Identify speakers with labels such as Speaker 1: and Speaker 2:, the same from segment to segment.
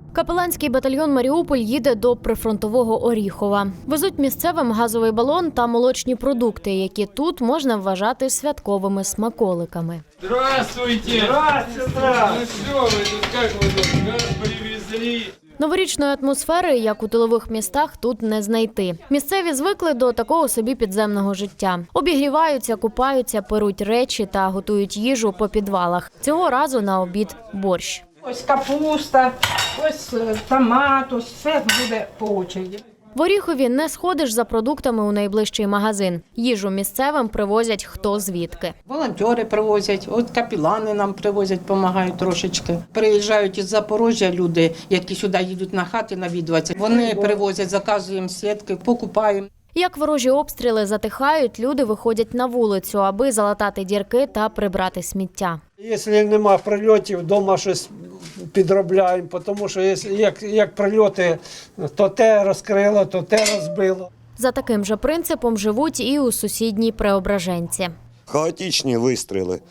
Speaker 1: Капеланський батальйон «Маріуполь» їде до прифронтового Оріхова. Везуть місцевим газовий балон та молочні продукти, які тут можна вважати святковими смаколиками.
Speaker 2: Здравствуйте!
Speaker 3: Здравствуйте!
Speaker 2: Ну что вы тут, как вы тут, газ привезли?
Speaker 1: Новорічної атмосфери, як у тилових містах, тут не знайти. Місцеві звикли до такого собі підземного життя. Обігріваються, купаються, перуть речі та готують їжу по підвалах. Цього разу на обід – борщ.
Speaker 3: Ось капуста, ось томат, ось все буде по очереді.
Speaker 1: В Оріхові не сходиш за продуктами у найближчий магазин. Їжу місцевим привозять хто звідки.
Speaker 4: Волонтери привозять, от капелани нам привозять, допомагають трошечки. Приїжджають із Запоріжжя люди, які сюди їдуть на хати навідуватися. Вони привозять, заказуємо сітки, покупаємо.
Speaker 1: Як ворожі обстріли затихають, люди виходять на вулицю, аби залатати дірки та прибрати сміття.
Speaker 5: Якщо нема прильотів, вдома щось підробляємо, тому що як прильоти, то те розкрило, то те розбило.
Speaker 1: За таким же принципом живуть і у сусідній Преображенці.
Speaker 6: Хаотичні вистріли.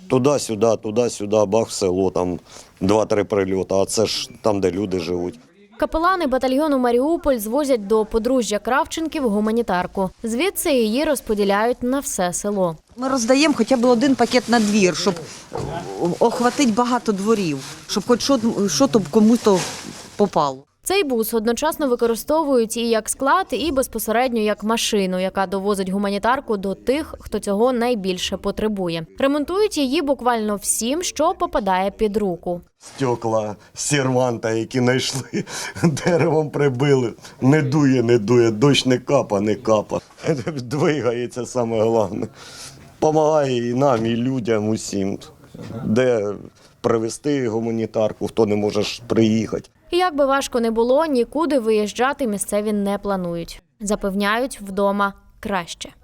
Speaker 6: Туди-сюди, бах в село, там 2-3 прильоти, а це ж там, де люди живуть.
Speaker 1: Капелани батальйону «Маріуполь» звозять до подружжя Кравченків гуманітарку. Звідси її розподіляють на все село.
Speaker 7: Ми роздаємо хоча б один пакет на двір, щоб охватити багато дворів, щоб хоч щось комусь попало.
Speaker 1: Цей бус одночасно використовують і як склад, і безпосередньо як машину, яка довозить гуманітарку до тих, хто цього найбільше потребує. Ремонтують її буквально всім, що попадає під руку.
Speaker 6: Стекла серванта, які знайшли, деревом прибили. Не дує, дощ не капа. Двигається саме головне. Помагає і нам, і людям, усім. Де привезти гуманітарку, хто не може приїхати.
Speaker 1: І як би важко не було, нікуди виїжджати місцеві не планують. Запевняють, вдома краще.